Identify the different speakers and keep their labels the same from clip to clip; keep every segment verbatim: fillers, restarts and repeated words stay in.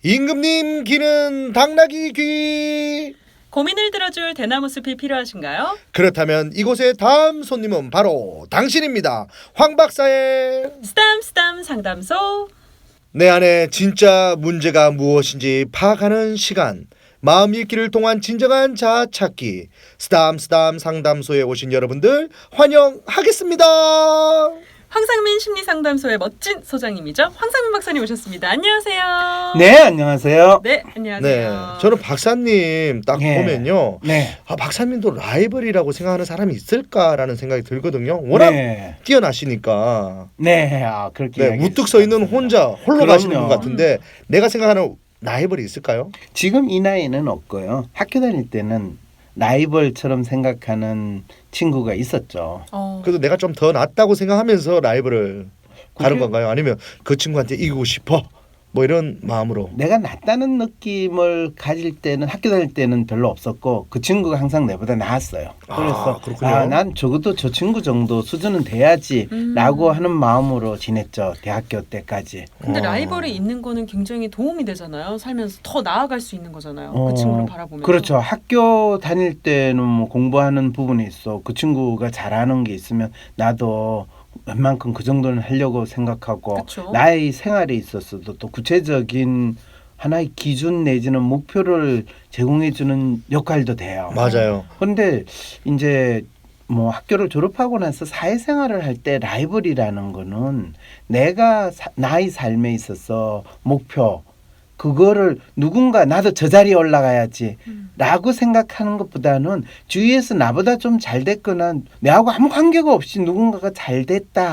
Speaker 1: 임금님 귀는 당나귀 귀.
Speaker 2: 고민을 들어줄 대나무 숲이 필요하신가요?
Speaker 1: 그렇다면 이곳의 다음 손님은 바로 당신입니다. 황 박사의
Speaker 2: 쓰담쓰담 상담소.
Speaker 1: 내 안에 진짜 문제가 무엇인지 파악하는 시간, 마음 읽기를 통한 진정한 자아 찾기, 쓰담쓰담 상담소에 오신 여러분들 환영하겠습니다.
Speaker 2: 황상민 심리상담소의 멋진 소장님이죠. 황상민 박사님 오셨습니다. 안녕하세요.
Speaker 3: 네, 안녕하세요.
Speaker 2: 네,
Speaker 1: 네,
Speaker 2: 안녕하세요.
Speaker 1: 저는 박사님 딱
Speaker 3: 예.
Speaker 1: 보면요,
Speaker 3: 네.
Speaker 1: 아, 박사님도 라이벌이라고 생각하는 사람이 있을까라는 생각이 들거든요. 워낙
Speaker 3: 네.
Speaker 1: 뛰어나시니까.
Speaker 3: 네, 아, 그렇게
Speaker 1: 네,
Speaker 3: 이야기해
Speaker 1: 우뚝 서 있는
Speaker 3: 주셨습니다.
Speaker 1: 혼자 홀로
Speaker 3: 그럼요.
Speaker 1: 가시는 분 같은데 내가 생각하는 라이벌이 있을까요?
Speaker 3: 지금 이 나이는 없고요. 학교 다닐 때는 라이벌처럼 생각하는 친구가 있었죠.
Speaker 2: 어,
Speaker 1: 그래도 내가 좀 더 낫다고 생각하면서 라이벌을 가는
Speaker 3: 그게-
Speaker 1: 건가요? 아니면 그 친구한테 이기고 싶어? 뭐 이런 마음으로.
Speaker 3: 내가 낫다는 느낌을 가질 때는 학교 다닐 때는 별로 없었고 그 친구가 항상 내보다 나았어요. 그래서
Speaker 1: 아, 그렇군요.
Speaker 3: 아, 난 적어도 저 친구 정도 수준은 돼야지
Speaker 2: 음.
Speaker 3: 라고 하는 마음으로 지냈죠. 대학교 때까지.
Speaker 2: 근데
Speaker 1: 어.
Speaker 2: 라이벌이 있는 거는 굉장히 도움이 되잖아요. 살면서 더 나아갈 수 있는 거잖아요.
Speaker 3: 어,
Speaker 2: 그 친구를 바라보면서.
Speaker 3: 그렇죠. 학교 다닐 때는 뭐 공부하는 부분이 있어. 그 친구가 잘하는 게 있으면 나도 웬만큼 그 정도는 하려고 생각하고
Speaker 2: 그쵸.
Speaker 3: 나의 생활에 있어서도 또 구체적인 하나의 기준 내지는 목표를 제공해 주는 역할도 돼요.
Speaker 1: 맞아요.
Speaker 3: 그런데 이제 뭐 학교를 졸업하고 나서 사회생활을 할 때 라이벌이라는 거는 내가 사, 나의 삶에 있어서 목표 그거를 누군가 나도 저 자리에 올라가야지
Speaker 2: 음.
Speaker 3: 라고 생각하는 것보다는 주위에서 나보다 좀 잘 됐거나 내하고 아무 관계가 없이 누군가가 잘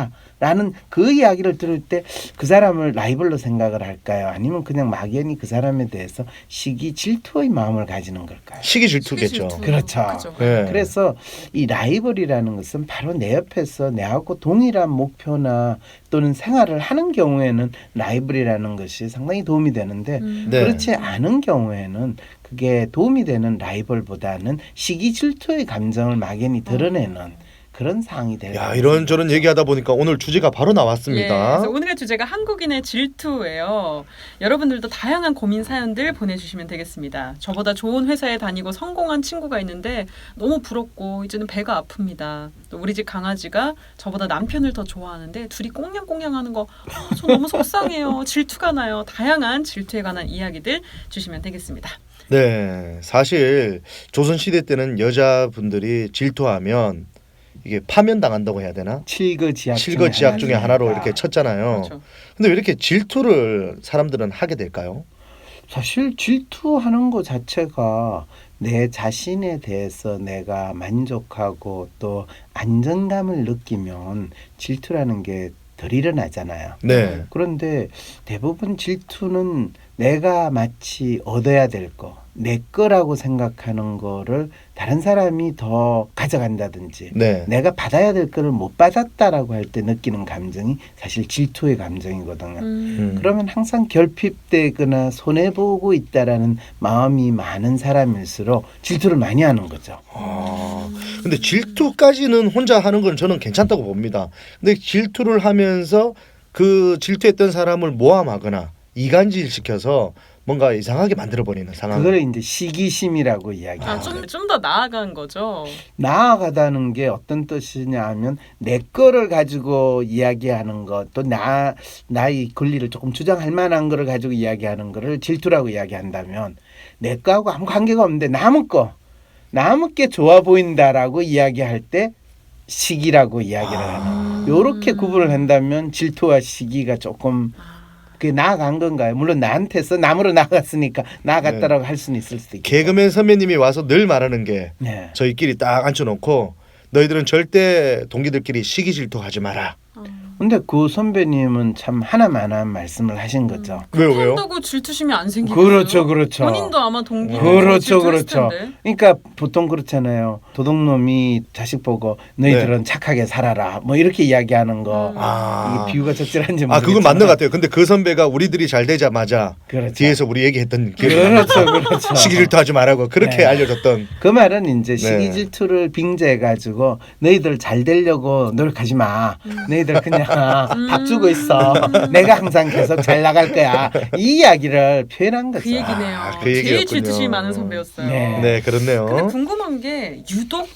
Speaker 3: 됐다라는 그 이야기를 들을 때 그 사람을 라이벌로 생각을 할까요? 아니면 그냥 막연히 그 사람에 대해서 시기 질투의 마음을 가지는 걸까요?
Speaker 1: 시기 질투겠죠.
Speaker 2: 시기 질투.
Speaker 3: 그렇죠.
Speaker 2: 그죠.
Speaker 1: 네.
Speaker 3: 그래서 이 라이벌이라는 것은 바로 내 옆에서 내하고 동일한 목표나 또는 생활을 하는 경우에는 라이벌이라는 것이 상당히 도움이 되는데
Speaker 2: 음.
Speaker 1: 네.
Speaker 3: 그렇지 않은 경우에는 그게 도움이 되는 라이벌보다는 시기 질투의 감정을 막연히 드러내는 그런 상황이 되는
Speaker 1: 야, 이런저런 얘기하다 보니까 오늘 주제가 바로
Speaker 2: 예,
Speaker 1: 나왔습니다.
Speaker 2: 그래서 오늘의 주제가 한국인의 질투예요. 여러분들도 다양한 고민 사연들 보내주시면 되겠습니다. 저보다 좋은 회사에 다니고 성공한 친구가 있는데 너무 부럽고 이제는 배가 아픕니다. 또 우리 집 강아지가 저보다 남편을 더 좋아하는데 둘이 꽁냥꽁냥하는 거 아, 저 너무 속상해요. 질투가 나요. 다양한 질투에 관한 이야기들 주시면 되겠습니다.
Speaker 1: 네, 사실 조선시대 때는 여자분들이 질투하면 이게 파면당한다고 해야 되나?
Speaker 3: 칠거지약
Speaker 1: 칠거지약 중에 하나로 이렇게 쳤잖아요.
Speaker 2: 그렇죠.
Speaker 1: 근데 왜 이렇게 질투를 사람들은 하게 될까요?
Speaker 3: 사실 질투하는 것 자체가 내 자신에 대해서 내가 만족하고 또 안정감을 느끼면 질투라는 게 덜 일어나잖아요.
Speaker 1: 네.
Speaker 3: 그런데 대부분 질투는 내가 마치 얻어야 될 거, 내 거라고 생각하는 거를 다른 사람이 더 가져간다든지
Speaker 1: 네.
Speaker 3: 내가 받아야 될 거를 못 받았다라고 할 때 느끼는 감정이 사실 질투의 감정이거든요.
Speaker 2: 음.
Speaker 3: 그러면 항상 결핍되거나 손해보고 있다라는 마음이 많은 사람일수록 질투를 많이 하는 거죠.
Speaker 1: 아, 근데 질투까지는 혼자 하는 건 저는 괜찮다고 봅니다. 근데 질투를 하면서 그 질투했던 사람을 모함하거나 이간질 시켜서 뭔가 이상하게 만들어버리는 상황.
Speaker 3: 그걸 이제 시기심이라고 이야기해요.
Speaker 2: 아, 좀, 좀 더 나아간 거죠.
Speaker 3: 나아가다는 게 어떤 뜻이냐 하면 내 거를 가지고 이야기하는 것, 또 나, 나의 권리를 조금 주장할 만한 거를 가지고 이야기하는 거를 질투라고 이야기한다면 내 거하고 아무 관계가 없는데 남의 거, 남의 게 좋아 보인다라고 이야기할 때 시기라고 이야기를
Speaker 1: 아.
Speaker 3: 하는. 요렇게 구분을 한다면 질투와 시기가 조금 그게 나아간 건가요? 물론 나한테서 남으로 나아갔으니까 나아갔다라고 할 수는 있을 수도 있겠죠.
Speaker 1: 개그맨 선배님이 와서 늘 말하는 게
Speaker 3: 네.
Speaker 1: 저희끼리 딱 앉혀놓고 너희들은 절대 동기들끼리 시기 질투하지 마라.
Speaker 2: 어.
Speaker 3: 근데 그 선배님은 참 하나만한 말씀을 하신 거죠.
Speaker 1: 왜요, 왜요?
Speaker 2: 한다고 질투심이 안 생기겠어요?
Speaker 3: 그렇죠, 그렇죠.
Speaker 2: 본인도 아마 동기
Speaker 3: 그렇죠, 그렇죠.
Speaker 2: 텐데.
Speaker 3: 그러니까 보통 그렇잖아요. 도둑놈이 자식 보고 너희들은 착하게 살아라. 뭐 이렇게 이야기하는 거.
Speaker 2: 음.
Speaker 1: 아,
Speaker 3: 이게 비유가 적절한지 모르겠지만.
Speaker 1: 아 그건 맞는 것 같아요. 근데 그 선배가 우리들이 잘 되자마자
Speaker 3: 그렇죠.
Speaker 1: 뒤에서 우리 얘기했던 기억이
Speaker 3: 그렇죠,
Speaker 1: 납니다.
Speaker 3: 그렇죠.
Speaker 1: 시기 질투하지 말라고 그렇게
Speaker 3: 네.
Speaker 1: 알려줬던.
Speaker 3: 그 말은 이제
Speaker 1: 네.
Speaker 3: 시기 질투를 빙자해 가지고 너희들 잘 되려고 노력하지 마. 너희들 그냥 아,
Speaker 2: 음.
Speaker 3: 밥 주고 있어. 내가 항상 계속 잘 나갈 거야. 이 이야기를 표현한 거죠.
Speaker 2: 그 얘기네요.
Speaker 1: 아, 그
Speaker 2: 제일
Speaker 1: 얘기였군요.
Speaker 2: 질투심이 많은 선배였어요.
Speaker 3: 네.
Speaker 1: 네, 그렇네요.
Speaker 2: 근데 궁금한 게 유독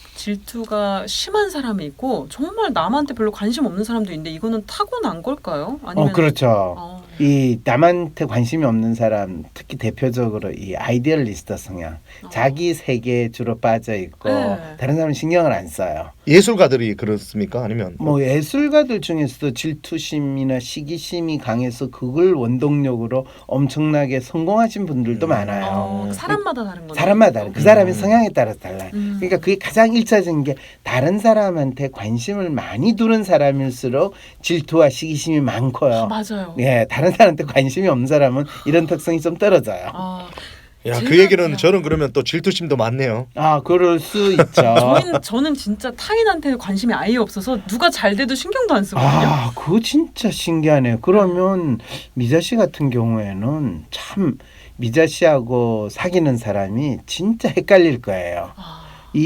Speaker 2: 질투가 심한 사람이 있고 정말 남한테 별로 관심 없는 사람도 있는데 이거는 타고난 걸까요? 아니면
Speaker 3: 어, 그렇죠.
Speaker 2: 어.
Speaker 3: 이 남한테 관심이 없는 사람, 특히 대표적으로 이 아이디얼리스트 성향,
Speaker 2: 어.
Speaker 3: 자기 세계에 주로 빠져 있고
Speaker 2: 네.
Speaker 3: 다른 사람 신경을 안 써요.
Speaker 1: 예술가들이 그렇습니까? 아니면
Speaker 3: 뭐 예술가들 중에서도 질투심이나 시기심이 강해서 그걸 원동력으로 엄청나게 성공하신 분들도
Speaker 1: 음.
Speaker 3: 많아요.
Speaker 2: 어, 사람마다 다른 거죠.
Speaker 3: 사람마다 다른 그 사람의
Speaker 1: 음.
Speaker 3: 성향에 따라서 달라요.
Speaker 2: 음.
Speaker 3: 그러니까 그게 가장 일차적인 게 다른 사람한테 관심을 많이 두는 사람일수록 질투와 시기심이
Speaker 2: 아,
Speaker 3: 많고요.
Speaker 2: 맞아요.
Speaker 3: 예, 다른 사람한테 관심이 없는 사람은 이런 특성이 좀 떨어져요.
Speaker 2: 아,
Speaker 1: 야, 그
Speaker 2: 제가-
Speaker 1: 얘기는 저는 그러면 또 질투심도 많네요.
Speaker 3: 아, 그럴 수 있죠.
Speaker 2: 저희는 저는 진짜 타인한테 관심이 아예 없어서 누가 잘 돼도 신경도 안 쓰거든요.
Speaker 3: 아, 그거 진짜 신기하네요. 그러면 미자 씨 같은 경우에는 참 미자 씨하고 사귀는 사람이 진짜 헷갈릴 거예요.
Speaker 2: 아,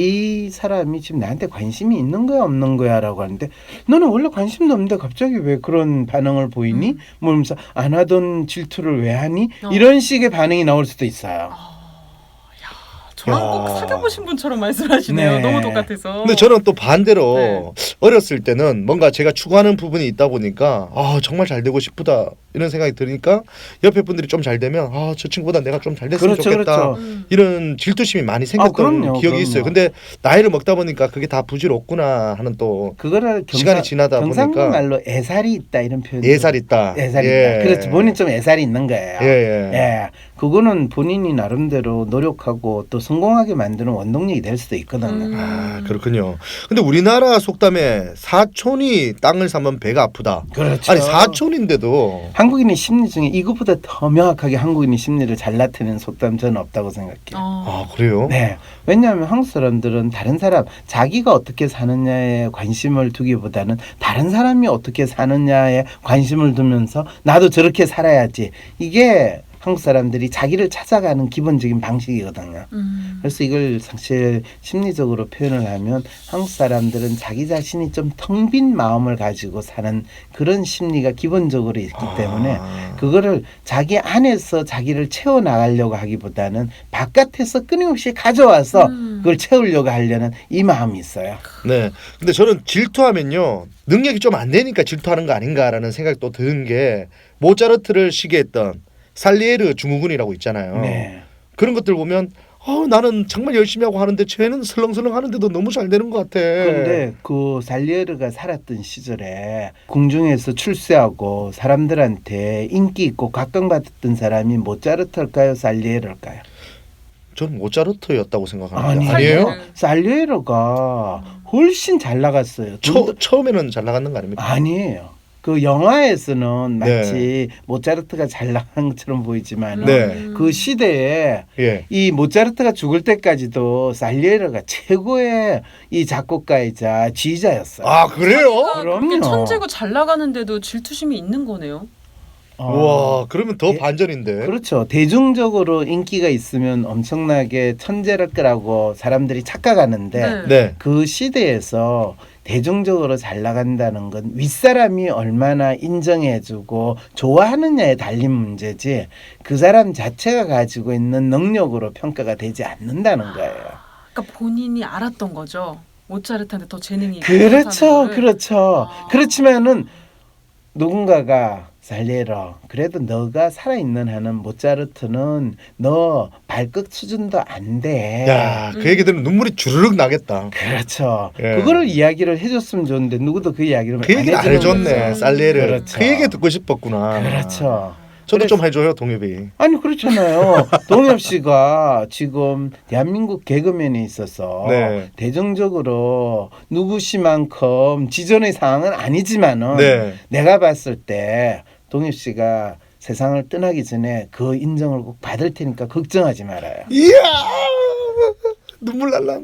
Speaker 3: 이 사람이 지금 나한테 관심이 있는 거야 없는 거야 라고 하는데 너는 원래 관심도 없는데 갑자기 왜 그런 반응을 보이니?
Speaker 2: 음.
Speaker 3: 뭐 이러면서 안 하던 질투를 왜 하니?
Speaker 2: 어.
Speaker 3: 이런 식의 반응이 나올 수도 있어요.
Speaker 2: 아, 야, 저랑
Speaker 1: 야.
Speaker 2: 꼭 사귀어보신 분처럼 말씀하시네요.
Speaker 3: 네.
Speaker 2: 너무 똑같아서.
Speaker 1: 근데 저는 또 반대로
Speaker 2: 네.
Speaker 1: 어렸을 때는 뭔가 제가 추구하는 부분이 있다 보니까 아 정말 잘 되고 싶다 이런 생각이 드니까 옆에 분들이 좀 잘 되면 아 저 친구보다 내가 좀 잘 됐으면
Speaker 3: 그렇죠,
Speaker 1: 좋겠다
Speaker 3: 그렇죠.
Speaker 2: 음.
Speaker 1: 이런 질투심이 많이 생겼던
Speaker 3: 아, 그럼요,
Speaker 1: 기억이
Speaker 3: 그럼요.
Speaker 1: 있어요. 근데 나이를 먹다 보니까 그게 다 부질없구나 하는 또
Speaker 3: 그거를 경상,
Speaker 1: 시간이 지나다
Speaker 3: 경상도
Speaker 1: 보니까
Speaker 3: 말로 애살이 있다 이런 표현.
Speaker 1: 예살 있다.
Speaker 3: 애살이
Speaker 1: 예.
Speaker 3: 있다. 그렇죠. 본인 좀 애살이 있는 거예요.
Speaker 1: 예, 예.
Speaker 3: 예, 그거는 본인이 나름대로 노력하고 또 성공하게 만드는 원동력이 될 수도 있거든요.
Speaker 2: 음.
Speaker 1: 아 그렇군요. 근데 우리나라 속담에 사촌이 땅을 사면 배가 아프다.
Speaker 3: 그렇죠.
Speaker 1: 아니 사촌인데도
Speaker 3: 한국인의 심리 중에 이것보다 더 명확하게 한국인의 심리를 잘 나타내는 속담 저는 없다고 생각해요.
Speaker 2: 어.
Speaker 1: 아 그래요?
Speaker 3: 네, 왜냐하면 한국 사람들은 다른 사람 자기가 어떻게 사느냐에 관심을 두기보다는 다른 사람이 어떻게 사느냐에 관심을 두면서 나도 저렇게 살아야지 이게 한국 사람들이 자기를 찾아가는 기본적인 방식이거든요.
Speaker 2: 음.
Speaker 3: 그래서 이걸 사실 심리적으로 표현을 하면 한국 사람들은 자기 자신이 좀 텅 빈 마음을 가지고 사는 그런 심리가 기본적으로 있기 때문에
Speaker 1: 아.
Speaker 3: 그거를 자기 안에서 자기를 채워 나가려고 하기보다는 바깥에서 끊임없이 가져와서
Speaker 2: 음.
Speaker 3: 그걸 채우려고 하려는 이 마음이 있어요.
Speaker 1: 네. 근데 저는 질투하면요 능력이 좀 안 되니까 질투하는 거 아닌가라는 생각이 또 드는 게 모차르트를 시기했던 살리에르 증후군이라고 있잖아요.
Speaker 3: 네.
Speaker 1: 그런 것들 보면 어, 나는 정말 열심히 하고 하는데 쟤는 설렁설렁 하는데도 너무 잘 되는 것 같아.
Speaker 3: 그런데 그 살리에르가 살았던 시절에 궁중에서 출세하고 사람들한테 인기 있고 각광받았던 사람이 모차르트일까요, 살리에르일까요?
Speaker 1: 저는 모차르트였다고 생각하는데
Speaker 3: 아니,
Speaker 1: 아니에요?
Speaker 2: 살리에르.
Speaker 3: 살리에르가 훨씬 잘 나갔어요.
Speaker 1: 처, 처음에는 잘 나갔는 거 아닙니까?
Speaker 3: 아니에요. 그 영화에서는
Speaker 1: 네.
Speaker 3: 마치 모차르트가 잘 나간 것처럼 보이지만
Speaker 1: 네.
Speaker 3: 그 시대에
Speaker 1: 예.
Speaker 3: 이 모차르트가 죽을 때까지도 살리에르가 최고의 이 작곡가이자 지휘자였어요.
Speaker 1: 아 그래요?
Speaker 2: 자기가 그렇게
Speaker 3: 그럼요.
Speaker 2: 천재고 잘 나가는데도 질투심이 있는 거네요.
Speaker 3: 어,
Speaker 1: 와 그러면 더
Speaker 3: 예.
Speaker 1: 반전인데.
Speaker 3: 그렇죠. 대중적으로 인기가 있으면 엄청나게 천재랄 거라고 사람들이 착각하는데
Speaker 1: 네.
Speaker 3: 그 시대에서 대중적으로 잘 나간다는 건 윗사람이 얼마나 인정해주고 좋아하느냐에 달린 문제지 그 사람 자체가 가지고 있는 능력으로 평가가 되지 않는다는 거예요.
Speaker 2: 그러니까 본인이 알았던 거죠. 모차르트한테 더 재능이 있고
Speaker 3: 그렇죠,
Speaker 2: 못하는 거를.
Speaker 3: 그렇죠.
Speaker 2: 아.
Speaker 3: 그렇지만은 누군가가 살레러 그래도 너가 살아있는 한은 모차르트는 너 발끝 수준도 안 돼.
Speaker 1: 야, 그
Speaker 2: 음.
Speaker 1: 얘기 들으면 눈물이 주르륵 나겠다.
Speaker 3: 그렇죠.
Speaker 1: 예.
Speaker 3: 그거를 이야기를 해줬으면 좋은데 누구도 그 이야기를
Speaker 1: 그 얘기를 안
Speaker 3: 해주는
Speaker 1: 해줬네,
Speaker 3: 거죠.
Speaker 1: 살레를.
Speaker 3: 그렇죠.
Speaker 1: 그 얘기 듣고 싶었구나.
Speaker 3: 그렇죠.
Speaker 1: 저도
Speaker 3: 그래서-
Speaker 1: 좀 해줘요, 동엽이.
Speaker 3: 아니 그렇잖아요. 동엽 씨가 지금 대한민국 개그맨에 있어서
Speaker 1: 네.
Speaker 3: 대중적으로 누구시만큼 지존의 상황은 아니지만은
Speaker 1: 네.
Speaker 3: 내가 봤을 때 동엽 씨가 세상을 떠나기 전에 그 인정을 꼭 받을 테니까 걱정하지 말아요.
Speaker 1: 이야, 눈물 날란다.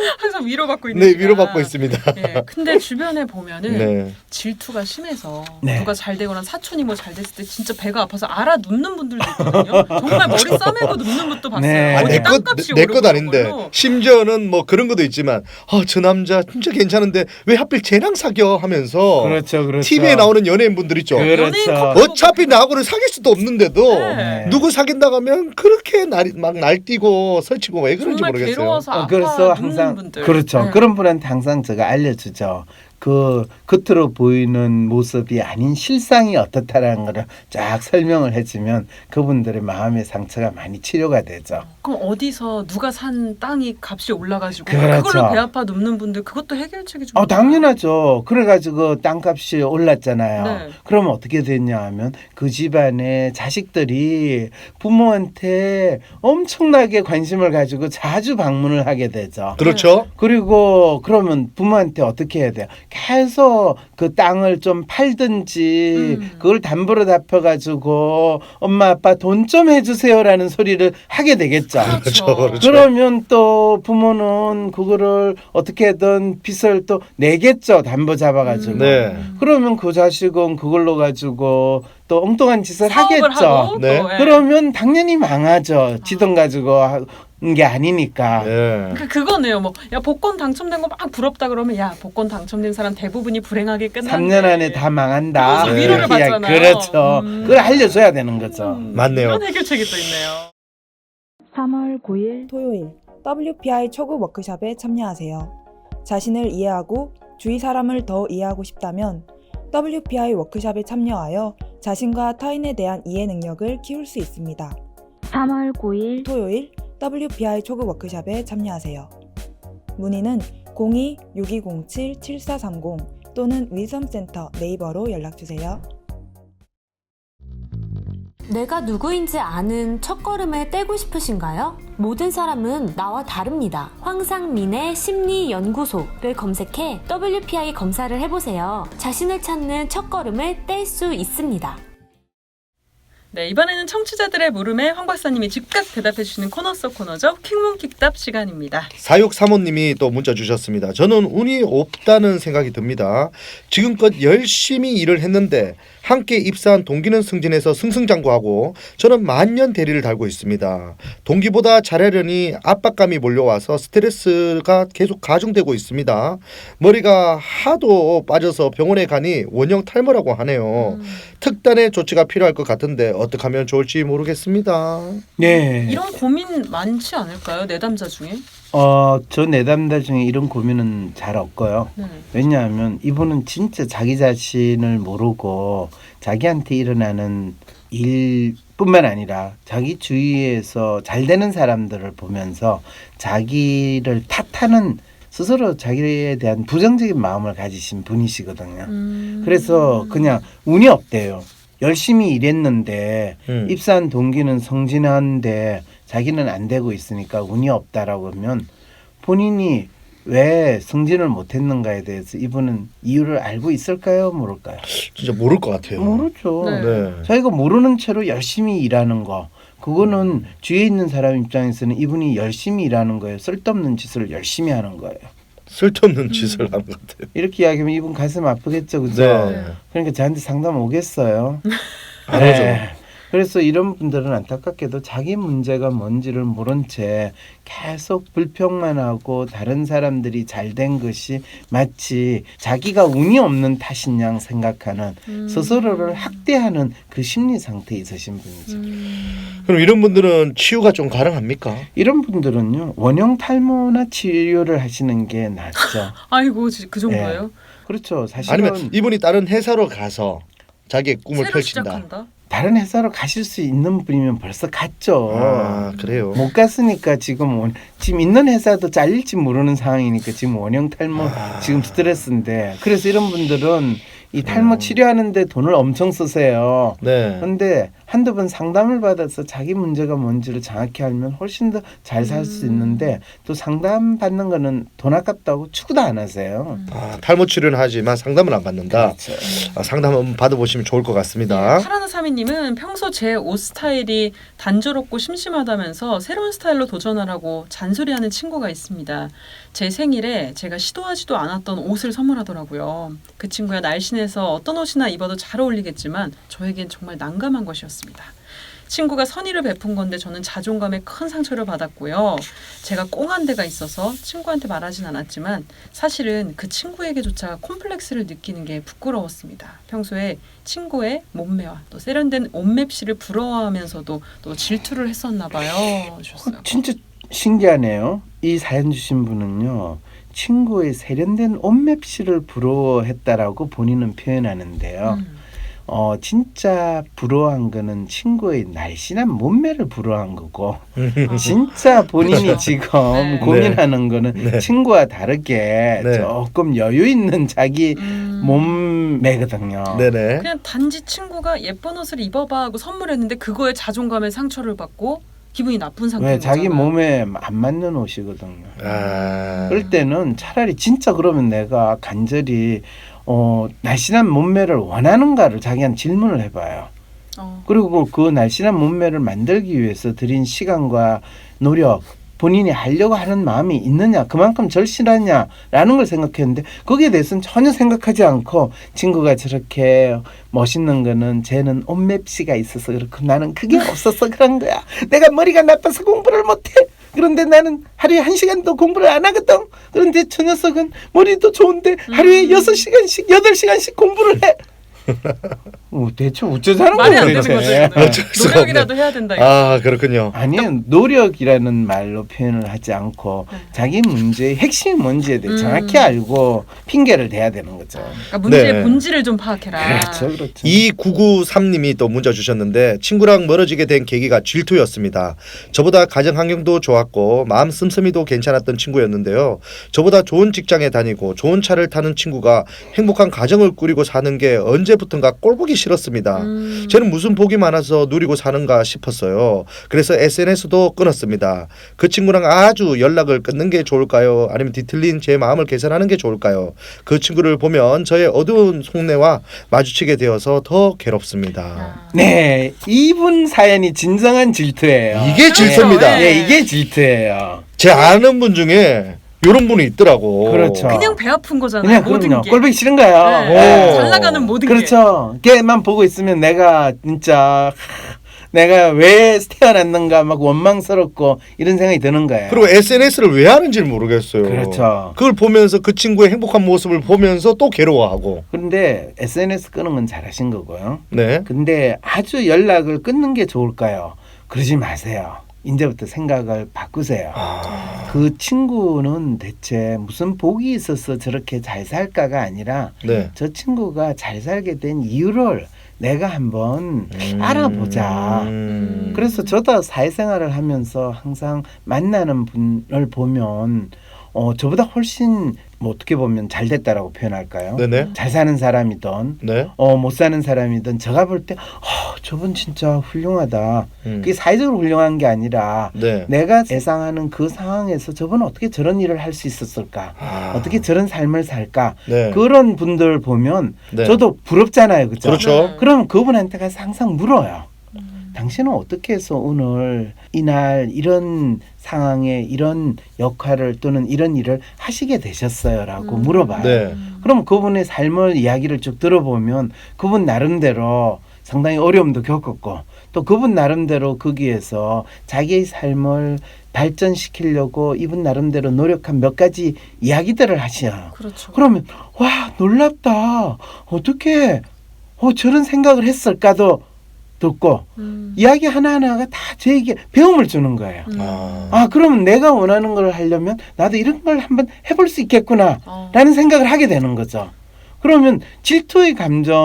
Speaker 2: 항상 위로받고 있는
Speaker 1: 네,
Speaker 2: 시간.
Speaker 1: 위로받고 있습니다.
Speaker 2: 예, 근데 주변에 보면은
Speaker 1: 네.
Speaker 2: 질투가 심해서
Speaker 3: 네.
Speaker 2: 누가 잘 되거나 사촌이 뭐 잘 됐을 때 진짜 배가 아파서 알아 눕는 분들도 있거든요. 정말 머리 싸매고 눕는 것도 봤어요.
Speaker 3: 네.
Speaker 1: 아,
Speaker 2: 어디
Speaker 1: 내 것,
Speaker 2: 땅값이
Speaker 1: 내 것
Speaker 2: 오르고
Speaker 1: 아닌데.
Speaker 2: 그걸로.
Speaker 1: 심지어는 뭐 그런 것도 있지만, 아, 저 남자 진짜 괜찮은데 왜 하필 쟤랑 사겨 하면서
Speaker 3: 그렇죠, 그렇죠.
Speaker 1: 티비에 나오는 연예인분들 있죠.
Speaker 3: 그렇죠.
Speaker 2: 연예인 커플
Speaker 1: 어차피 나하고는 사귈 수도 없는데도
Speaker 2: 네.
Speaker 1: 누구 사귄다고 하면 그렇게 날, 막 날뛰고 설치고 왜 그런지
Speaker 2: 정말
Speaker 1: 모르겠어요.
Speaker 2: 괴로워서
Speaker 3: 어,
Speaker 2: 아파
Speaker 3: 그래서
Speaker 2: 눕는
Speaker 3: 항상
Speaker 2: 분들.
Speaker 3: 그렇죠.
Speaker 2: 네.
Speaker 3: 그런 분한테 항상 제가 알려주죠. 그 겉으로 보이는 모습이 아닌 실상이 어떻다라는 거를 쫙 설명을 해주면 그분들의 마음의 상처가 많이 치료가 되죠.
Speaker 2: 그럼 어디서 누가 산 땅이 값이 올라가지고
Speaker 3: 그렇죠.
Speaker 2: 그걸로 배 아파 눕는 분들 그것도 해결책이 좀
Speaker 3: 어, 당연하죠. 그래가지고 땅값이 올랐잖아요.
Speaker 2: 네.
Speaker 3: 그러면 어떻게 됐냐 하면 그 집안의 자식들이 부모한테 엄청나게 관심을 가지고 자주 방문을 하게 되죠.
Speaker 1: 그렇죠.
Speaker 3: 그리고 그러면 부모한테 어떻게 해야 돼요? 계속 그 땅을 좀 팔든지
Speaker 2: 음.
Speaker 3: 그걸 담보로 잡혀가지고 엄마 아빠 돈 좀 해주세요라는 소리를 하게 되겠죠.
Speaker 1: 그렇죠, 그렇죠.
Speaker 3: 그러면 또 부모는 그거를 어떻게든 빚을 또 내겠죠. 담보 잡아가지고.
Speaker 2: 음.
Speaker 1: 네.
Speaker 3: 그러면 그 자식은 그걸로 가지고 또 엉뚱한 짓을
Speaker 2: 사업을
Speaker 3: 하겠죠.
Speaker 2: 하고
Speaker 1: 네.
Speaker 2: 또, 예.
Speaker 3: 그러면 당연히 망하죠. 지돈 가지고 한 게 아니니까.
Speaker 1: 예.
Speaker 2: 그 그거네요. 뭐 야 복권 당첨된 거 막 부럽다 그러면 야 복권 당첨된 사람 대부분이 불행하게 끝난대.
Speaker 3: 삼 년 안에 다 망한다.
Speaker 2: 그래서
Speaker 1: 위로를
Speaker 3: 이렇게 이야기-
Speaker 2: 받잖아요.
Speaker 3: 그렇죠.
Speaker 2: 음.
Speaker 3: 그걸 알려줘야 되는 거죠.
Speaker 2: 음,
Speaker 1: 맞네요.
Speaker 2: 이런 해결책이 또 있네요.
Speaker 4: 삼월 구일 토요일 더블유피아이 초급 워크숍에 참여하세요. 자신을 이해하고 주위 사람을 더 이해하고 싶다면 더블유피아이 워크숍에 참여하여 자신과 타인에 대한 이해 능력을 키울 수 있습니다. 삼월 구일 토요일 더블유피아이 초급 워크숍에 참여하세요. 문의는 공이 육이공칠 칠사삼공 또는 위섬센터 네이버로 연락주세요.
Speaker 5: 내가 누구인지 아는 첫걸음을 떼고 싶으신가요? 모든 사람은 나와 다릅니다. 황상민의 심리연구소를 검색해 더블유피아이 검사를 해보세요. 자신을 찾는 첫걸음을 뗄 수 있습니다.
Speaker 2: 네, 이번에는 청취자들의 물음에 황 박사님이 즉각 대답해 주시는 코너 속 코너죠. 킹문킥답 시간입니다.
Speaker 1: 사육사모님이 또 문자 주셨습니다. 저는 운이 없다는 생각이 듭니다. 지금껏 열심히 일을 했는데 함께 입사한 동기는 승진해서 승승장구하고 저는 만년 대리를 달고 있습니다. 동기보다 잘하려니 압박감이 몰려와서 스트레스가 계속 가중되고 있습니다. 머리가 하도 빠져서 병원에 가니 원형 탈모라고 하네요.
Speaker 2: 음,
Speaker 1: 특단의 조치가 필요할 것 같은데 어떻게 하면 좋을지 모르겠습니다.
Speaker 3: 네.
Speaker 2: 이런 고민 많지 않을까요? 내담자 중에?
Speaker 3: 어, 저 내담자 중에 이런 고민은 잘 없고요.
Speaker 2: 네.
Speaker 3: 왜냐하면 이분은 진짜 자기 자신을 모르고 자기한테 일어나는 일뿐만 아니라 자기 주위에서 잘 되는 사람들을 보면서 자기를 탓하는 스스로 자기에 대한 부정적인 마음을 가지신 분이시거든요.
Speaker 2: 음.
Speaker 3: 그래서 그냥 운이 없대요. 열심히 일했는데
Speaker 1: 음.
Speaker 3: 입사한 동기는 성진한데 자기는 안 되고 있으니까 운이 없다라고 하면 본인이 왜 승진을 못했는가에 대해서 이분은 이유를 알고 있을까요? 모를까요?
Speaker 1: 진짜 모를 것 같아요.
Speaker 3: 모르죠.
Speaker 2: 네.
Speaker 1: 네.
Speaker 3: 자기가 모르는 채로 열심히 일하는 거 그거는 주위에 있는 사람 입장에서는 이분이 열심히 일하는 거예요. 쓸데없는 짓을 열심히 하는 거예요.
Speaker 1: 쓸데없는
Speaker 2: 음.
Speaker 1: 짓을 하는 것 같아요.
Speaker 3: 이렇게 이야기하면 이분 가슴 아프겠죠, 그죠?
Speaker 1: 네.
Speaker 3: 그러니까 저한테 상담 오겠어요.
Speaker 1: 안
Speaker 3: 네.
Speaker 1: 오죠.
Speaker 3: 그래서 이런 분들은 안타깝게도 자기 문제가 뭔지를 모른 채 계속 불평만 하고 다른 사람들이 잘 된 것이 마치 자기가 운이 없는 탓인 양 생각하는
Speaker 2: 음.
Speaker 3: 스스로를 학대하는 그 심리 상태에 있으신 분이죠.
Speaker 2: 음.
Speaker 1: 그럼 이런 분들은 치유가 좀 가능합니까?
Speaker 3: 이런 분들은요 원형 탈모나 치료를 하시는 게 낫죠.
Speaker 2: 아이고 지- 그 정도예요?
Speaker 3: 그렇죠. 사실은
Speaker 1: 아니면 이분이 다른 회사로 가서 자기의 꿈을
Speaker 2: 새로
Speaker 1: 펼친다.
Speaker 2: 시작한다.
Speaker 3: 다른 회사로 가실 수 있는 분이면 벌써 갔죠.
Speaker 1: 아, 그래요.
Speaker 3: 못 갔으니까 지금 원, 지금 있는 회사도 잘릴지 모르는 상황이니까 지금 원형 탈모
Speaker 1: 아.
Speaker 3: 지금 스트레스인데 그래서 이런 분들은 이 탈모
Speaker 1: 음.
Speaker 3: 치료하는데 돈을 엄청 쓰세요.
Speaker 1: 네.
Speaker 3: 그런데 한두 번 상담을 받아서 자기 문제가 뭔지를 정확히 알면 훨씬 더 잘 살 수
Speaker 2: 음.
Speaker 3: 있는데 또 상담 받는 거는 돈 아깝다고 추구도 안 하세요.
Speaker 1: 아, 탈모 치료는 하지만 상담은 안 받는다.
Speaker 3: 그렇죠.
Speaker 1: 아, 상담 한번 받아보시면 좋을 것 같습니다.
Speaker 2: 네, 파라나사미님은 평소 제 옷 스타일이 단조롭고 심심하다면서 새로운 스타일로 도전하라고 잔소리하는 친구가 있습니다. 제 생일에 제가 시도하지도 않았던 옷을 선물하더라고요. 그 친구야 날씬해서 어떤 옷이나 입어도 잘 어울리겠지만 저에겐 정말 난감한 것이었습니다. 친구가 선의를 베푼 건데 저는 자존감에 큰 상처를 받았고요. 제가 꽁한 데가 있어서 친구한테 말하진 않았지만 사실은 그 친구에게조차 콤플렉스를 느끼는 게 부끄러웠습니다. 평소에 친구의 몸매와 또 세련된 옷맵시를 부러워하면서도 또 질투를 했었나 봐요. 주셨어요.
Speaker 3: 어, 진짜 신기하네요. 이 사연 주신 분은요. 친구의 세련된 옷맵시를 부러워했다라고 본인은 표현하는데요.
Speaker 2: 음.
Speaker 3: 어 진짜 부러워한 거는 친구의 날씬한 몸매를 부러워한 거고 진짜 본인이
Speaker 1: 그렇죠.
Speaker 3: 지금
Speaker 2: 네.
Speaker 3: 고민하는 거는
Speaker 1: 네.
Speaker 3: 친구와 다르게
Speaker 1: 네.
Speaker 3: 조금 여유 있는 자기
Speaker 2: 음.
Speaker 3: 몸매거든요.
Speaker 1: 네네.
Speaker 2: 그냥 단지 친구가 예쁜 옷을 입어봐 하고 선물했는데 그거에 자존감에 상처를 받고 기분이 나쁜 상태인
Speaker 3: 왜 자기
Speaker 2: 거잖아요.
Speaker 3: 몸에 안 맞는 옷이거든요.
Speaker 1: 아,
Speaker 3: 그럴 때는 차라리 진짜 그러면 내가 간절히 어, 날씬한 몸매를 원하는가를 자기한테 질문을 해봐요.
Speaker 2: 어.
Speaker 3: 그리고 그 날씬한 몸매를 만들기 위해서 들인 시간과 노력, 본인이 하려고 하는 마음이 있느냐, 그만큼 절실하냐라는 걸 생각했는데 거기에 대해서는 전혀 생각하지 않고 친구가 저렇게 멋있는 거는 쟤는 옷맵시가 있어서 그렇고 나는 그게 없어서 그런 거야. 내가 머리가 나빠서 공부를 못해. 그런데 나는 하루에 한 시간도 공부를 안 하거든. 그런데 저 녀석은 머리도 좋은데 하루에
Speaker 2: 음.
Speaker 3: 여섯 시간씩, 여덟 시간씩 공부를 해. 어, 대체 어쩌자는
Speaker 2: 말이 안
Speaker 3: 거예요,
Speaker 2: 되는 거죠.
Speaker 3: 대체.
Speaker 2: 이거는.
Speaker 1: 어쩔 수가
Speaker 2: 노력이라도 해야 된다. 이거.
Speaker 1: 아 그렇군요.
Speaker 3: 아니 노력이라는 말로 표현을 하지 않고
Speaker 2: 네.
Speaker 3: 자기 문제의 핵심이 뭔지에 대해
Speaker 2: 음.
Speaker 3: 정확히 알고 핑계를 대야 되는 거죠.
Speaker 2: 그러니까 문제의
Speaker 1: 네.
Speaker 2: 본질을 좀 파악해라.
Speaker 3: 그렇죠, 그렇죠.
Speaker 1: 이구구삼님이 또 문자 주셨는데 친구랑 멀어지게 된 계기가 질투였습니다. 저보다 가정 환경도 좋았고 마음 씀씀이도 괜찮았던 친구였는데요. 저보다 좋은 직장에 다니고 좋은 차를 타는 친구가 행복한 가정을 꾸리고 사는 게 언제부턴가 꼴보기 싫었습니다.
Speaker 2: 음.
Speaker 1: 저는 무슨 복이 많아서 누리고 사는가 싶었어요. 그래서 에스엔에스도 끊었습니다. 그 친구랑 아주 연락을 끊는 게 좋을까요? 아니면 뒤틀린 제 마음을 개선하는 게 좋을까요? 그 친구를 보면 저의 어두운 속내와 마주치게 되어서 더 괴롭습니다.
Speaker 2: 야.
Speaker 3: 네, 이분 사연이 진정한 질투예요.
Speaker 1: 이게 질투입니다.
Speaker 2: 네.
Speaker 3: 네, 이게 질투예요.
Speaker 1: 제 아는 분 중에 이런 분이 있더라고.
Speaker 3: 그렇죠.
Speaker 2: 그냥 배 아픈 거잖아요.
Speaker 3: 그냥
Speaker 2: 모든
Speaker 3: 그럼요.
Speaker 2: 게.
Speaker 3: 꼴보기 싫은 거예요.
Speaker 2: 네.
Speaker 1: 오.
Speaker 2: 잘 나가는 모든 게.
Speaker 3: 그렇죠. 걔만 보고 있으면 내가 진짜 내가 왜 태어났는가 막 원망스럽고 이런 생각이 드는 거예요.
Speaker 1: 그리고 에스엔에스를 왜 하는지 모르겠어요.
Speaker 3: 그렇죠.
Speaker 1: 그걸 보면서 그 친구의 행복한 모습을 보면서 또 괴로워하고.
Speaker 3: 그런데 에스엔에스 끄는 건 잘하신 거고요.
Speaker 1: 네.
Speaker 3: 근데 아주 연락을 끊는 게 좋을까요? 그러지 마세요. 이제부터 생각을 바꾸세요.
Speaker 1: 아,
Speaker 3: 그 친구는 대체 무슨 복이 있어서 저렇게 잘 살까가 아니라
Speaker 1: 네.
Speaker 3: 저 친구가 잘 살게 된 이유를 내가 한번
Speaker 1: 음.
Speaker 3: 알아보자.
Speaker 1: 음.
Speaker 3: 그래서 저도 사회생활을 하면서 항상 만나는 분을 보면 어, 저보다 훨씬 뭐 어떻게 보면 잘 됐다라고 표현할까요?
Speaker 1: 네네.
Speaker 3: 잘 사는 사람이든
Speaker 1: 네.
Speaker 3: 어, 못 사는 사람이든 제가 볼 때 어, 저분 진짜 훌륭하다.
Speaker 1: 음.
Speaker 3: 그게 사회적으로 훌륭한 게 아니라
Speaker 1: 네.
Speaker 3: 내가 예상하는 그 상황에서 저분은 어떻게 저런 일을 할 수 있었을까?
Speaker 1: 아.
Speaker 3: 어떻게 저런 삶을 살까?
Speaker 1: 네.
Speaker 3: 그런 분들 보면
Speaker 1: 네.
Speaker 3: 저도 부럽잖아요. 그죠?
Speaker 1: 그렇죠.
Speaker 2: 네.
Speaker 3: 그럼 그분한테 가서 항상 물어요.
Speaker 2: 음.
Speaker 3: 당신은 어떻게 해서 오늘 이날 이런 상황에 이런 역할을 또는 이런 일을 하시게 되셨어요라고
Speaker 2: 음.
Speaker 3: 물어봐요.
Speaker 1: 네.
Speaker 3: 그럼 그분의 삶을 이야기를 쭉 들어보면 그분 나름대로 상당히 어려움도 겪었고 또 그분 나름대로 거기에서 자기의 삶을 발전시키려고 이분 나름대로 노력한 몇 가지 이야기들을 하셔요.
Speaker 2: 그렇죠.
Speaker 3: 그러면 와 놀랍다. 어떻게 어, 저런 생각을 했을까도 듣고
Speaker 2: 음.
Speaker 3: 이야기 하나하나가 다 저에게 배움을 주는 거예요.
Speaker 2: 음.
Speaker 1: 아.
Speaker 3: 아 그러면 내가 원하는 걸 하려면 나도 이런 걸 한번 해볼 수 있겠구나
Speaker 2: 어.
Speaker 3: 라는 생각을 하게 되는 거죠. 그러면 질투의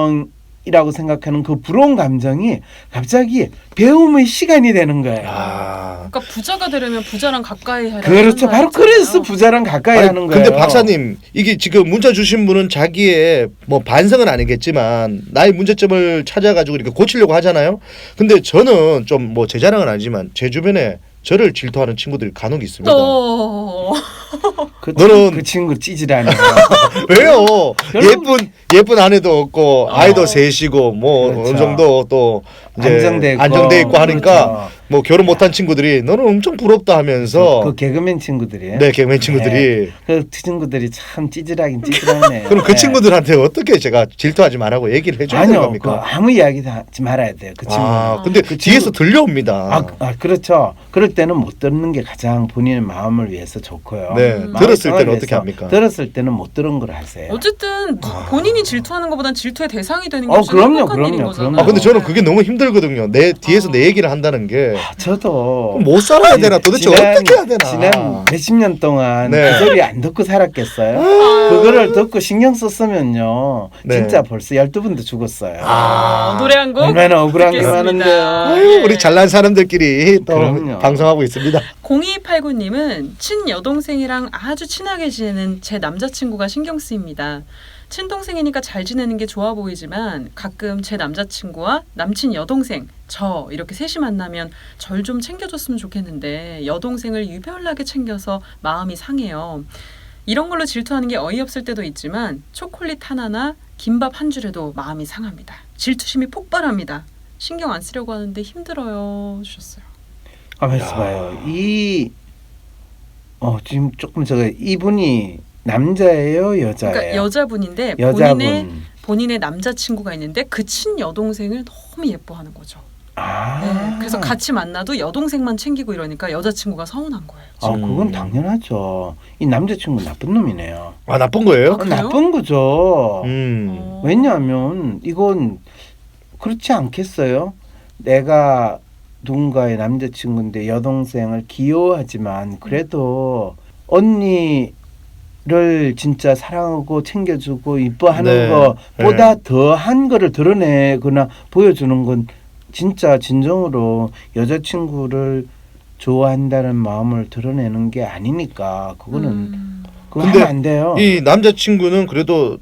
Speaker 3: 감정이라고 생각하는 그 부러운 감정이 갑자기 배움의 시간이 되는 거예요.
Speaker 1: 아.
Speaker 2: 그러니까 부자가 되려면 부자랑 가까이 하라.
Speaker 3: 그렇죠. 바로 그래서 부자랑 가까이
Speaker 1: 아니,
Speaker 3: 하는 거예요.
Speaker 1: 근데 박사님 이게 지금 문자 주신 분은 자기의 뭐 반성은 아니겠지만 나의 문제점을 찾아가지고 이렇게 고치려고 하잖아요. 근데 저는 좀 뭐 제 자랑은 아니지만 제 주변에 저를 질투하는 친구들이 간혹 있습니다.
Speaker 2: 또
Speaker 3: 그,
Speaker 1: 너는-
Speaker 3: 그 친구 찌질하네요.
Speaker 1: 왜요?
Speaker 3: 별로-
Speaker 1: 예쁜 예쁜 아내도 없고 아이도
Speaker 2: 어.
Speaker 1: 셋이고 뭐
Speaker 3: 그렇죠.
Speaker 1: 어느 정도 또 이제
Speaker 3: 안정돼 있고.
Speaker 1: 안정돼 있고 하니까
Speaker 3: 그렇죠.
Speaker 1: 뭐 결혼 못한 친구들이 너는 엄청 부럽다 하면서
Speaker 3: 그 개그맨 친구들이에요.
Speaker 1: 네 개그맨 친구들이
Speaker 3: 그 친구들이 참 찌질하긴 찌질하네.
Speaker 1: 그럼 그 친구들한테 어떻게 제가 질투하지 말라고 얘기를 해줘야 되는
Speaker 3: 아니요, 그
Speaker 1: 겁니까?
Speaker 3: 아무 이야기도 하지 말아야 돼요. 그 친구.
Speaker 1: 아 근데
Speaker 3: 그
Speaker 1: 뒤에서
Speaker 3: 친구-
Speaker 1: 들려옵니다.
Speaker 3: 아, 아, 그렇죠. 그럴 때는 못 듣는 게 가장 본인의 마음을 위해서 좋고요.
Speaker 1: 네
Speaker 2: 음.
Speaker 1: 들었을
Speaker 3: 마음을
Speaker 1: 때는 어떻게
Speaker 3: 위해서.
Speaker 1: 합니까?
Speaker 3: 들었을 때는 못 들은 걸 하세요.
Speaker 2: 어쨌든 본인이 질투하는 것보단 질투의 대상이 되는 게
Speaker 3: 어,
Speaker 2: 훨씬
Speaker 3: 그럼요,
Speaker 2: 행복한
Speaker 3: 그럼요,
Speaker 2: 일인 거잖아요.
Speaker 3: 그럼요.
Speaker 1: 아 근데 저는 그게 너무 힘들거든요. 내 뒤에서
Speaker 2: 어.
Speaker 1: 내 얘기를 한다는 게
Speaker 3: 아, 저도
Speaker 1: 못 살아야 되나 도대체
Speaker 3: 지난-
Speaker 1: 어떻게 해야 되나?
Speaker 3: 지난 몇십 년 동안
Speaker 1: 네.
Speaker 3: 그 소리 안 듣고 살았겠어요?
Speaker 2: 아.
Speaker 3: 그거를 듣고 신경 썼으면요.
Speaker 1: 네.
Speaker 3: 진짜 벌써 열두 분도 죽었어요.
Speaker 2: 아, 노래 한 곡
Speaker 3: 얼마나 억울한 게
Speaker 2: 듣겠습니다.
Speaker 3: 많은데요.
Speaker 1: 아유, 우리 잘난 사람들끼리 또
Speaker 3: 그럼요.
Speaker 1: 방송하고 있습니다.
Speaker 2: 공이팔구님은 친여동생이랑 아주 친하게 지내는 제 남자친구가 신경 쓰입니다. 친동생이니까 잘 지내는 게 좋아 보이지만 가끔 제 남자친구와 남친 여동생, 저 이렇게 셋이 만나면 절 좀 챙겨줬으면 좋겠는데 여동생을 유별나게 챙겨서 마음이 상해요. 이런 걸로 질투하는 게 어이없을 때도 있지만 초콜릿 하나나 김밥 한 줄에도 마음이 상합니다. 질투심이 폭발합니다. 신경 안 쓰려고 하는데 힘들어요. 주셨어요.
Speaker 3: 가만히 있어봐요. 이 어, 지금 조금 저거 이분이 남자예요, 여자예요?
Speaker 2: 그러니까 여자분인데
Speaker 3: 여자분.
Speaker 2: 본인의 본인의 남자친구가 있는데 그 친여동생을 너무 예뻐하는 거죠.
Speaker 3: 아.
Speaker 2: 네, 그래서 같이 만나도 여동생만 챙기고 이러니까 여자친구가 서운한 거예요.
Speaker 3: 아, 그건 당연하죠. 이 남자친구 나쁜 놈이네요.
Speaker 1: 아 나쁜 거예요?
Speaker 2: 아, 그래요?
Speaker 3: 나쁜 거죠.
Speaker 1: 음.
Speaker 2: 어.
Speaker 3: 왜냐하면 이건 그렇지 않겠어요? 내가 누군가의 남자친구인데 여동생을 귀여워하지만 그래도 언니를 진짜 사랑하고 챙겨주고 이뻐하는
Speaker 1: 네.
Speaker 3: 것보다 더한 거를 드러내거나 보여주는 건 진짜 진정으로 여자친구를 좋아한다는 마음을 드러내는 게 아니니까 그거는
Speaker 2: 음.
Speaker 3: 그거
Speaker 1: 근데
Speaker 3: 하면 안 돼요.
Speaker 1: 이 남자친구는 그래도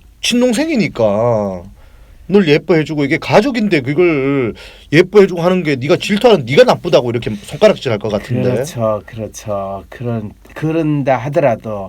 Speaker 1: 친동생이니까 널 예뻐해주고 이게 가족인데 그걸 예뻐해주고 하는 게 네가 질투하는 네가 나쁘다고 이렇게 손가락질할 것 같은데.
Speaker 3: 그렇죠, 그렇죠. 그런 그런다 하더라도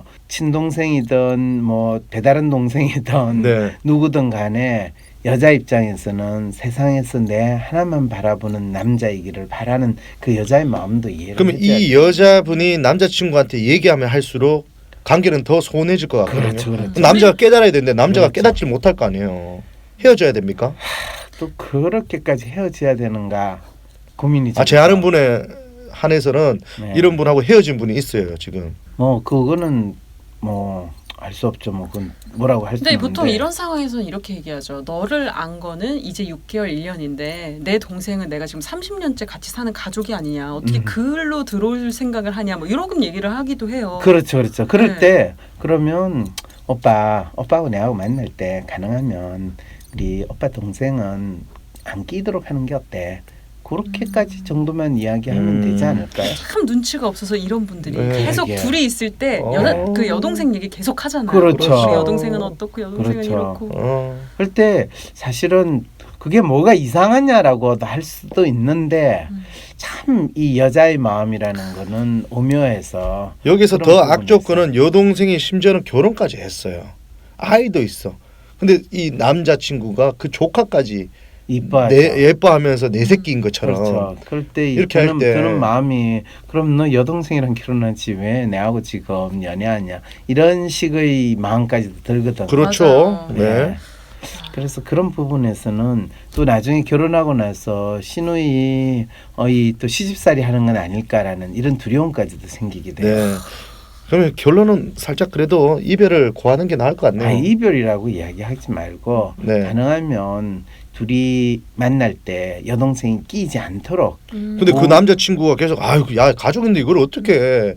Speaker 3: 친동생이든 뭐 배다른 동생이든
Speaker 1: 네.
Speaker 3: 누구든 간에 여자 입장에서는 세상에서 내 하나만 바라보는 남자이기를 바라는 그 여자의 마음도 이해를
Speaker 1: 그러면
Speaker 3: 해줘야
Speaker 1: 이
Speaker 3: 돼요.
Speaker 1: 여자분이 남자친구한테 얘기하면 할수록 관계는 더 소원해질 것 같거든요.
Speaker 3: 그렇죠, 그렇죠.
Speaker 1: 남자가 깨달아야 되는데 남자가
Speaker 3: 그렇죠.
Speaker 1: 깨닫지 못할 거 아니에요. 헤어져야 됩니까?
Speaker 3: 또 그렇게까지 헤어져야 되는가 고민이죠.
Speaker 1: 아, 제 아는 분에 한해서는
Speaker 3: 네.
Speaker 1: 이런 분하고 헤어진 분이 있어요 지금.
Speaker 3: 뭐 그거는 뭐 알 수 없죠. 뭐 그건 뭐라고 할 수
Speaker 2: 근데
Speaker 3: 없는데.
Speaker 2: 보통 이런 상황에서는 이렇게 얘기하죠. 너를 안 거는 이제 육 개월, 일 년인데 내 동생은 내가 지금 삼십 년째 같이 사는 가족이 아니냐. 어떻게
Speaker 3: 음.
Speaker 2: 그걸로 들어올 생각을 하냐. 뭐 이런 얘기를 하기도 해요.
Speaker 3: 그렇죠, 그렇죠. 그럴
Speaker 2: 네.
Speaker 3: 때 그러면 오빠, 오빠하고 내하고 만날 때 가능하면 우리 오빠 동생은 안 끼도록 하는 게 어때? 그렇게까지 정도만 이야기하면
Speaker 1: 음.
Speaker 3: 되지 않을까요?
Speaker 2: 참 눈치가 없어서 이런 분들이
Speaker 1: 네,
Speaker 2: 계속
Speaker 3: 이게.
Speaker 2: 둘이 있을 때
Speaker 1: 어.
Speaker 2: 여자 그 여동생 얘기 계속 하잖아요.
Speaker 3: 그렇죠.
Speaker 2: 우리 여동생은 어떻고 여동생은
Speaker 3: 그렇죠.
Speaker 2: 이렇고.
Speaker 1: 어.
Speaker 3: 그럴 때 사실은 그게 뭐가 이상하냐라고도 할 수도 있는데
Speaker 2: 음.
Speaker 3: 참 이 여자의 마음이라는 거는 오묘해서
Speaker 1: 여기서
Speaker 3: 그런
Speaker 1: 더
Speaker 3: 부분이
Speaker 1: 악조건은 여동생이 심지어는 결혼까지 했어요. 아이도 있어. 근데 이 남자친구가 그 조카까지
Speaker 3: 이뻐하죠.
Speaker 1: 내, 예뻐하면서 내 새끼인 것처럼.
Speaker 3: 그렇죠. 그럴 때
Speaker 1: 이렇게 할
Speaker 3: 드는,
Speaker 1: 때.
Speaker 3: 드는 마음이 그럼 너 여동생이랑 결혼하지 왜 내하고 지금 연애하냐 이런 식의 마음까지도 들거든.
Speaker 1: 그렇죠.
Speaker 2: 맞아요.
Speaker 1: 네.
Speaker 3: 그래서 그런 부분에서는 또 나중에 결혼하고 나서 시누이 어이 또 시집살이 하는 건 아닐까라는 이런 두려움까지도 생기게 돼요.
Speaker 1: 네. 그러면 결론은 살짝 그래도 이별을 고하는 게 나을 것 같네요.
Speaker 3: 아, 이별이라고 이야기하지 말고
Speaker 1: 네.
Speaker 3: 가능하면 둘이 만날 때 여동생이 끼지 않도록
Speaker 2: 음.
Speaker 1: 근데 그
Speaker 3: 어.
Speaker 1: 남자친구가 계속 아유 야 가족인데 이걸 어떻게 해.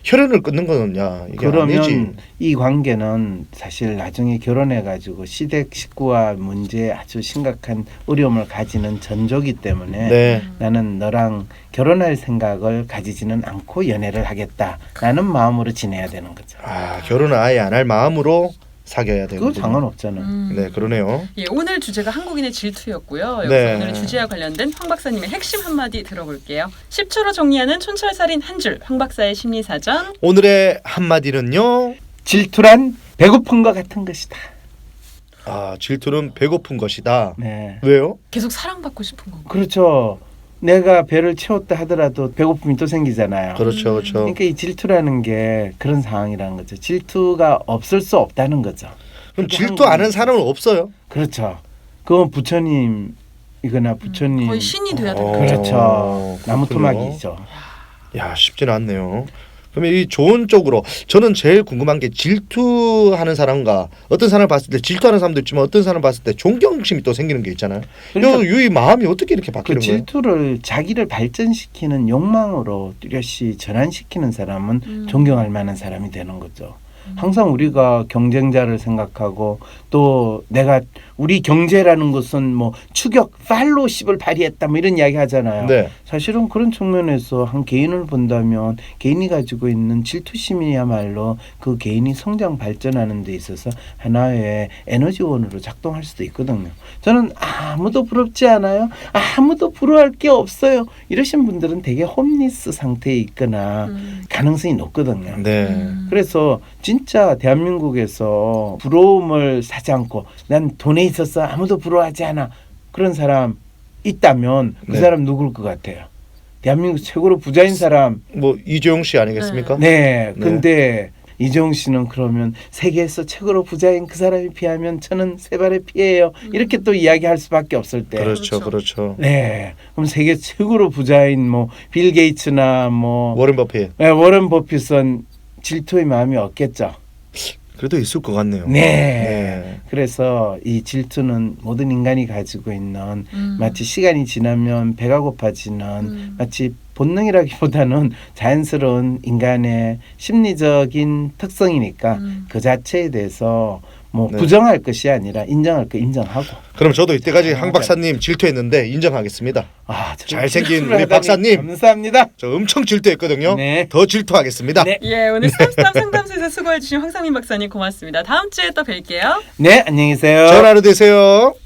Speaker 1: 혈연을 끊는 거는 야 이게 아니지.
Speaker 3: 그러면 이 관계는 사실 나중에 결혼해가지고 시댁 식구와 문제에 아주 심각한 어려움을 가지는 전조기 때문에
Speaker 1: 네.
Speaker 3: 나는 너랑 결혼할 생각을 가지지는 않고 연애를 하겠다라는 마음으로 지내야 되는 거죠.
Speaker 1: 아 결혼을 아예 안 할 마음으로 사귀어야 되고.
Speaker 3: 그거 상관없잖아.
Speaker 2: 음.
Speaker 1: 네 그러네요.
Speaker 2: 예, 오늘 주제가 한국인의 질투였고요. 여기서
Speaker 1: 네.
Speaker 2: 오늘 주제와 관련된 황 박사님의 핵심 한마디 들어볼게요. 십 초로 정리하는 촌철살인 한 줄, 황 박사의 심리사전.
Speaker 1: 오늘의 한마디는요.
Speaker 3: 질투란 배고픈 것 같은 것이다.
Speaker 1: 아 질투는 배고픈 것이다.
Speaker 3: 네,
Speaker 1: 왜요?
Speaker 2: 계속 사랑받고 싶은 건가요?
Speaker 3: 그렇죠. 내가 배를 채웠다 하더라도 배고픔이 또 생기잖아요.
Speaker 1: 그렇죠, 그렇죠.
Speaker 3: 그러니까 이 질투라는 게 그런 상황이라는 거죠. 질투가 없을 수 없다는 거죠.
Speaker 1: 그럼
Speaker 3: 그게
Speaker 1: 질투 안 하는
Speaker 3: 한국인.
Speaker 1: 사람은 없어요.
Speaker 3: 그렇죠. 그건 부처님이거나 부처님
Speaker 2: 거의 신이 돼야
Speaker 1: 어.
Speaker 2: 되는
Speaker 3: 그렇죠.
Speaker 1: 그렇군요.
Speaker 3: 나무토막이죠.
Speaker 1: 야 쉽지는 않네요. 그러면 이 좋은 쪽으로 저는 제일 궁금한 게 질투하는 사람과 어떤 사람을 봤을 때 질투하는 사람도 있지만 어떤 사람을 봤을 때 존경심이 또 생기는 게 있잖아요.
Speaker 3: 그러니까
Speaker 1: 이 마음이 어떻게 이렇게
Speaker 3: 그
Speaker 1: 바뀌는 거예요?
Speaker 3: 질투를 자기를 발전시키는 욕망으로 뚜렷이 전환시키는 사람은
Speaker 2: 음.
Speaker 3: 존경할 만한 사람이 되는 거죠. 항상 우리가 경쟁자를 생각하고 또 내가 우리 경제라는 것은 뭐 추격 팔로우십을 발휘했다 뭐 이런 이야기 하잖아요.
Speaker 1: 네.
Speaker 3: 사실은 그런 측면에서 한 개인을 본다면 개인이 가지고 있는 질투심이야말로 그 개인이 성장 발전하는 데 있어서 하나의 에너지원으로 작동할 수도 있거든요. 저는 아무도 부럽지 않아요. 아무도 부러워할 게 없어요. 이러신 분들은 되게 홈리스 상태에 있거나
Speaker 2: 음.
Speaker 3: 가능성이 높거든요.
Speaker 1: 네.
Speaker 2: 음.
Speaker 3: 그래서 진짜 대한민국에서 부러움을 사지 않고 난 돈에 있어서 아무도 부러워하지 않아 그런 사람 있다면 그
Speaker 1: 네.
Speaker 3: 사람 누굴 것 같아요? 대한민국 최고로 부자인 사람.
Speaker 1: 뭐 이재용 씨 아니겠습니까?
Speaker 3: 네.
Speaker 1: 네.
Speaker 3: 근데 이재용 씨는 그러면 세계에서 최고로 부자인 그 사람이 피하면 저는 세 발의 피해요. 이렇게 또 이야기할 수밖에 없을 때.
Speaker 1: 그렇죠,
Speaker 2: 그렇죠.
Speaker 1: 그렇죠.
Speaker 3: 네. 그럼 세계 최고로 부자인 뭐 빌 게이츠나 뭐
Speaker 1: 워렌 버핏
Speaker 3: 네, 워런 버핏은 질투의 마음이 없겠죠.
Speaker 1: 그래도 있을 것 같네요.
Speaker 3: 네.
Speaker 1: 네.
Speaker 3: 그래서 이 질투는 모든 인간이 가지고 있는
Speaker 2: 음.
Speaker 3: 마치 시간이 지나면 배가 고파지는
Speaker 2: 음.
Speaker 3: 마치 본능이라기보다는 자연스러운 인간의 심리적인 특성이니까
Speaker 2: 음.
Speaker 3: 그 자체에 대해서 뭐
Speaker 1: 네.
Speaker 3: 부정할 것이 아니라 인정할 거 인정하고.
Speaker 1: 그럼 저도 이때까지
Speaker 3: 아,
Speaker 1: 황 박사님 질투했는데 인정하겠습니다.
Speaker 3: 아, 저도
Speaker 1: 잘생긴
Speaker 3: 질투를
Speaker 1: 우리
Speaker 3: 하다니
Speaker 1: 박사님.
Speaker 3: 감사합니다.
Speaker 1: 저 엄청 질투했거든요.
Speaker 3: 네.
Speaker 1: 더 질투하겠습니다.
Speaker 3: 네.
Speaker 2: 예, 오늘 스탑스탑 상담소에서 수고해주신 황상민 박사님 고맙습니다. 다음 주에 또 뵐게요.
Speaker 3: 네, 안녕히 계세요.
Speaker 1: 좋은 하루 되세요.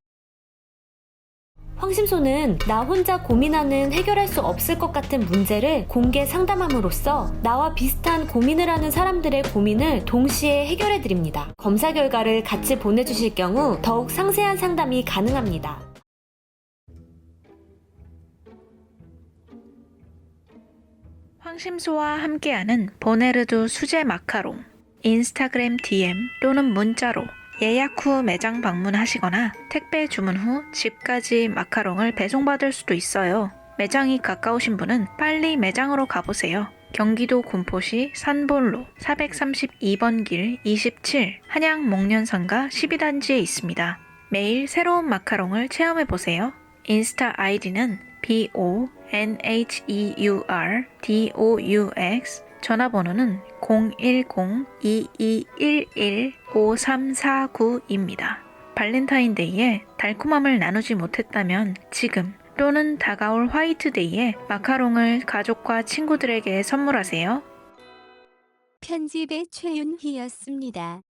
Speaker 5: 황심소는 나 혼자 고민하는 해결할 수 없을 것 같은 문제를 공개 상담함으로써 나와 비슷한 고민을 하는 사람들의 고민을 동시에 해결해 드립니다. 검사 결과를 같이 보내주실 경우 더욱 상세한 상담이 가능합니다.
Speaker 6: 황심소와 함께하는 보네르두 수제 마카롱 인스타그램 디엠 또는 문자로 예약 후 매장 방문하시거나 택배 주문 후 집까지 마카롱을 배송받을 수도 있어요. 매장이 가까우신 분은 빨리 매장으로 가보세요. 경기도 군포시 산본로 사백삼십이 번 길 이십칠 한양 목련상가 십이 단지에 있습니다. 매일 새로운 마카롱을 체험해보세요. 인스타 아이디는 비 오 엔 에이치 이 유 알 디 오 유 엑스 전화번호는 공일공 이이일일 오삼사구입니다. 발렌타인데이에 달콤함을 나누지 못했다면 지금 또는 다가올 화이트데이에 마카롱을 가족과 친구들에게 선물하세요.
Speaker 7: 편집의 최윤희였습니다.